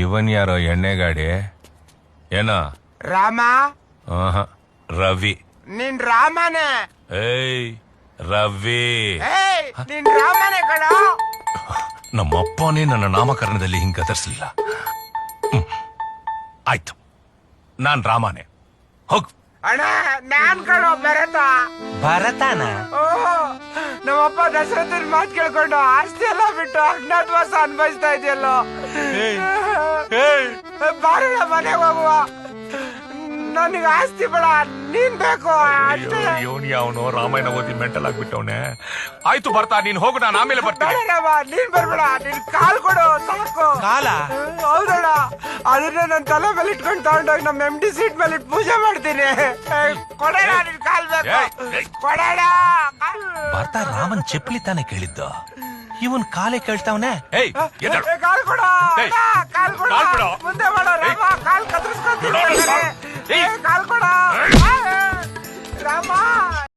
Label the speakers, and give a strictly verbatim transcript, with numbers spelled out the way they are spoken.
Speaker 1: ಇವನ್ ಯಾರೋ ಎಣ್ಣೆ ಗಾಡಿ ಏನ
Speaker 2: ರಾಮ
Speaker 1: ಆಹಾ, ರವಿ
Speaker 2: ನಿನ್ ರಾಮನೇ.
Speaker 1: ಏಯ್ ರವಿ
Speaker 2: ಏಯ್ ನಿನ್ ರಾಮನೇ ಕಣ.
Speaker 1: ನಮ್ಮಪ್ಪನೇ ನನ್ನ ನಾಮಕರಣದಲ್ಲಿ ಹಿಂಗ್ ಗದರ್ಸ್ಲಿಲ್ಲ. ಹ್ಮ್. ಆಯ್ತು, ನಾನ್ ರಾಮನೇ. ಹೋಗ್.
Speaker 2: ಅಣ್ಣ ನಾನ್ ಕಣೋ ಭರತ.
Speaker 3: ಭರತನ
Speaker 2: ಓ ನಮ್ಮಪ್ಪ ದಶರಥನ್ ಮಾತು ಕೇಳ್ಕೊಂಡು ಆಸ್ತಿ ಎಲ್ಲ ಬಿಟ್ಟು ಅಜ್ಞಾತವಾಸ ಅನ್ಭವಿಸ್ತಾ ಇದೆಯಲ್ಲೋ. ಬಾರಣ ಮನೆಗೆ ಹೋಗುವ. ನನಗೆ ಆಸ್ತಿ ಬೇಡ, ನೀನ್ ಬೇಕು ಅಷ್ಟೇ.
Speaker 1: ಇವನು ಯಾವನು ರಾಮಾಯಣ ಓದಿ ಮೆಂಟಲ್ ಆಗ್ಬಿಟ್ಟವನೆ. ಆಯ್ತು ಬರ್ತಾ, ನೀನ್ ಹೋಗು, ನಾನು ಆಮೇಲೆ ಬರ್ತೀನಿ.
Speaker 2: ಬೇಡ ರಾಮ, ನೀನ್ ಬರ್ಬೇಡ, ನಿನ್ ಕಾಲ್ ಕೊಡು ಸಾಕು.
Speaker 3: ಕಾಲ
Speaker 2: ಹೌದಣ್ಣ, ಅದನ್ನ ನನ್ ತಲೆ ಮೇಲೆ ಇಟ್ಕೊಂಡು ತಗೊಂಡೋಗಿ ನಮ್ ಎಂ ಡಿ ಸೀಟ್ ಮೇಲೆ ಇಟ್ಟು ಪೂಜೆ ಮಾಡ್ತೀನಿ. ಕೊಡೋಣ, ನಿನ್ ಕಾಲ್ ಬೇಕು, ಕೊಡೋಣ.
Speaker 3: ಬರ್ತಾ ರಾಮನ್ ಚಪ್ಪಲಿ ತಾನೆ ಕೇಳಿದ್ದ, ಇವನ್ ಕಾಲೇ ಕೇಳ್ತಾವನೆ.
Speaker 1: ಏಯ್ ಎದ್ದೇಳು.
Speaker 2: ಕಾಲ್ ಕೊಡ,
Speaker 1: ಏಯ್,
Speaker 2: ಕಾಲ್ ಕೊಡ,
Speaker 1: ಕಾಲ್ ಬಿಡು.
Speaker 2: ಮುಂದೆ ಮಾಡ.